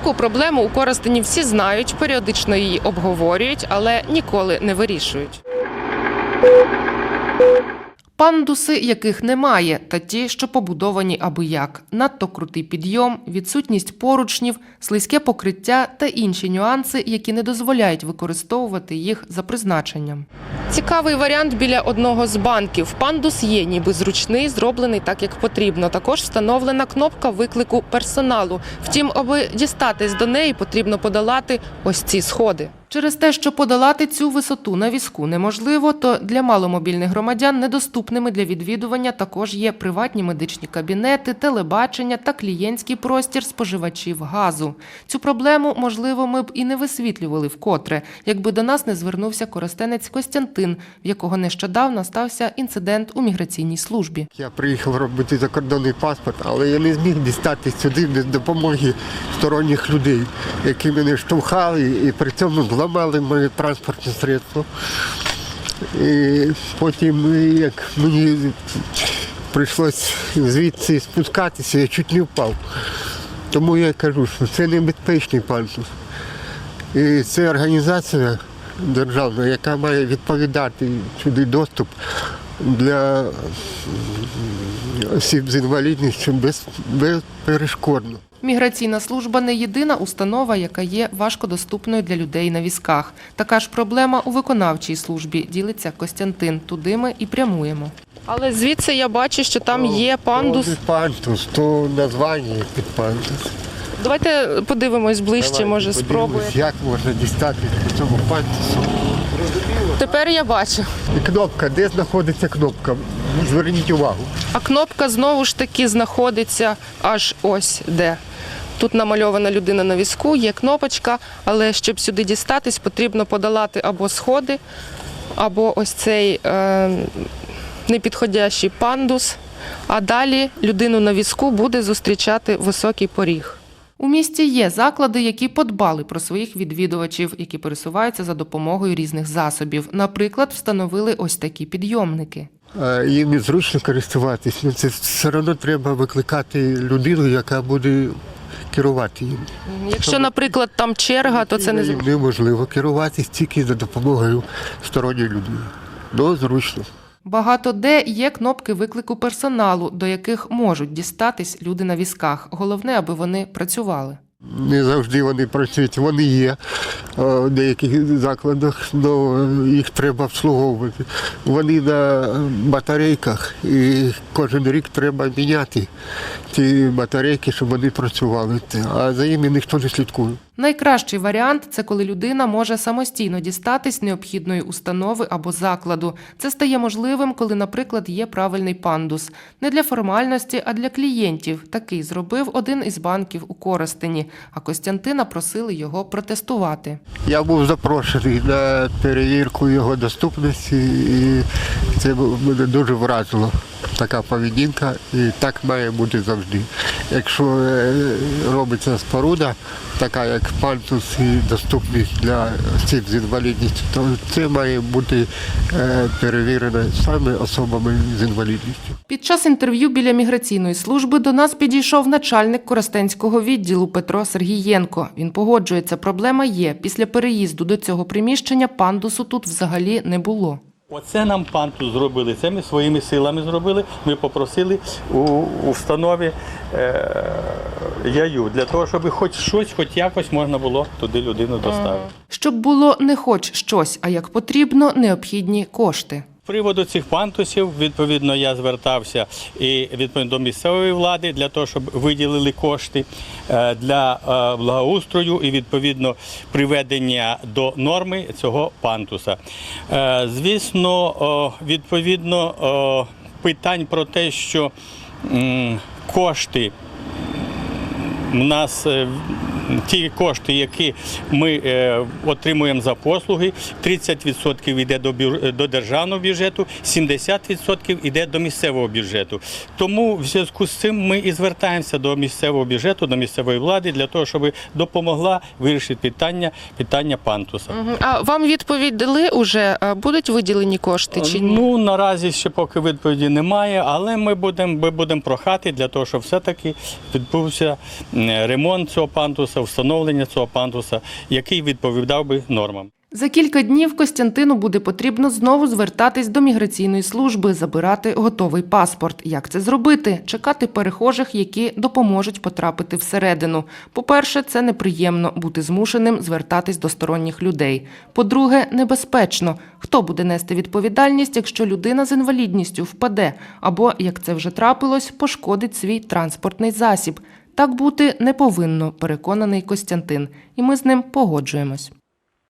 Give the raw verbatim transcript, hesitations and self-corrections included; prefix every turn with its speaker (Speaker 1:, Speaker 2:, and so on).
Speaker 1: Таку проблему у Коростені всі знають, періодично її обговорюють, але ніколи не вирішують. Пандуси, яких немає, та ті, що побудовані аби як. Надто крутий підйом, відсутність поручнів, слизьке покриття та інші нюанси, які не дозволяють використовувати їх за призначенням. Цікавий варіант біля одного з банків. Пандус є ніби зручний, зроблений так, як потрібно. Також встановлена кнопка виклику персоналу. Втім, аби дістатись до неї, потрібно подолати ось ці сходи. Через те, що подолати цю висоту на візку неможливо, то для маломобільних громадян недоступними для відвідування також є приватні медичні кабінети, телебачення та клієнтський простір споживачів газу. Цю проблему, можливо, ми б і не висвітлювали вкотре, якби до нас не звернувся коростенець Костянтин, в якого нещодавно стався інцидент у міграційній службі.
Speaker 2: Я приїхав робити закордонний паспорт, але я не зміг дістатись сюди без допомоги сторонніх людей, які мене штовхали і при цьому зламали моє транспортне средство. І потім, як мені прийшлося звідси спускатися, я чуть не впав. Тому я кажу, що це небезпечний пандус. І це організація державна, яка має відповідати сюди доступ для осіб з інвалідністю без, безперешкодно.
Speaker 1: Міграційна служба – не єдина установа, яка є важкодоступною для людей на візках. Така ж проблема у виконавчій службі, ділиться Костянтин. Туди ми і прямуємо. Але звідси я бачу, що там є пандус.
Speaker 2: То пандус, то названня під пандус.
Speaker 1: Давайте подивимось ближче,
Speaker 2: Давайте
Speaker 1: може спробуємо.
Speaker 2: Як можна дістати по цьому пандусу?
Speaker 1: Тепер я бачу.
Speaker 2: І кнопка, де знаходиться кнопка? Зверніть увагу.
Speaker 1: А кнопка знову ж таки знаходиться аж ось де. Тут намальована людина на візку, є кнопочка, але щоб сюди дістатись, потрібно подолати або сходи, або ось цей е, непідходящий пандус, а далі людину на візку буде зустрічати високий поріг. У місті є заклади, які подбали про своїх відвідувачів, які пересуваються за допомогою різних засобів. Наприклад, встановили ось такі підйомники.
Speaker 2: Їм незручно користуватись, але це все одно треба викликати людину, яка буде керувати їм.
Speaker 1: Якщо, наприклад, там черга, то це не
Speaker 2: Їм неможливо керуватись тільки за допомогою сторонньої людини. Ну, зручно.
Speaker 1: Багато де є кнопки виклику персоналу, до яких можуть дістатись люди на візках. Головне, аби вони працювали.
Speaker 2: Не завжди вони працюють, вони є в деяких закладах, але їх треба обслуговувати. Вони на батарейках і кожен рік треба міняти ці батарейки, щоб вони працювали, а за ними ніхто не слідкує.
Speaker 1: Найкращий варіант – це коли людина може самостійно дістатись необхідної установи або закладу. Це стає можливим, коли, наприклад, є правильний пандус. Не для формальності, а для клієнтів. Такий зробив один із банків у Коростені, а Костянтина просили його протестувати.
Speaker 2: Я був запрошений на перевірку його доступності, і це мене дуже вразило. Така поведінка, і так має бути завжди. Якщо робиться споруда, така як пандус і доступність для осіб з інвалідністю, то це має бути перевірено саме особами з інвалідністю.
Speaker 1: Під час інтерв'ю біля міграційної служби до нас підійшов начальник Коростенського відділу Петро Сергієнко. Він погоджується, проблема є. Після переїзду до цього приміщення пандусу тут взагалі не було.
Speaker 3: Оце нам пандус зробили, це ми своїми силами зробили. Ми попросили у установі е, ЯЮ, для того, щоб хоч щось, хоч якось можна було туди людину доставити.
Speaker 1: Щоб було не хоч щось, а як потрібно, необхідні кошти.
Speaker 3: З приводу цих пандусів, відповідно, я звертався і відповідно до місцевої влади для того, щоб виділили кошти для благоустрою і, відповідно, приведення до норми цього пандуса. Звісно, відповідно, питань про те, що кошти у нас, ті кошти, які ми е, отримуємо за послуги, тридцять відсотків йде до, бюр... до державного бюджету, сімдесят відсотків йде до місцевого бюджету. Тому в зв'язку з цим ми і звертаємося до місцевого бюджету, до місцевої влади, для того, щоб допомогла вирішити питання, питання пандуса.
Speaker 1: А вам відповідь дали уже? Будуть виділені кошти чи ні?
Speaker 3: Ну, наразі ще поки відповіді немає, але ми будемо ми будемо прохати для того, щоб все-таки відбувся ремонт цього пандуса. пандуса, встановлення цього пандуса, який відповідав би нормам.
Speaker 1: За кілька днів Костянтину буде потрібно знову звертатись до міграційної служби, забирати готовий паспорт. Як це зробити? Чекати перехожих, які допоможуть потрапити всередину. По-перше, це неприємно бути змушеним звертатись до сторонніх людей. По-друге, небезпечно. Хто буде нести відповідальність, якщо людина з інвалідністю впаде або, як це вже трапилось, пошкодить свій транспортний засіб? Так бути не повинно, переконаний Костянтин. І ми з ним погоджуємось.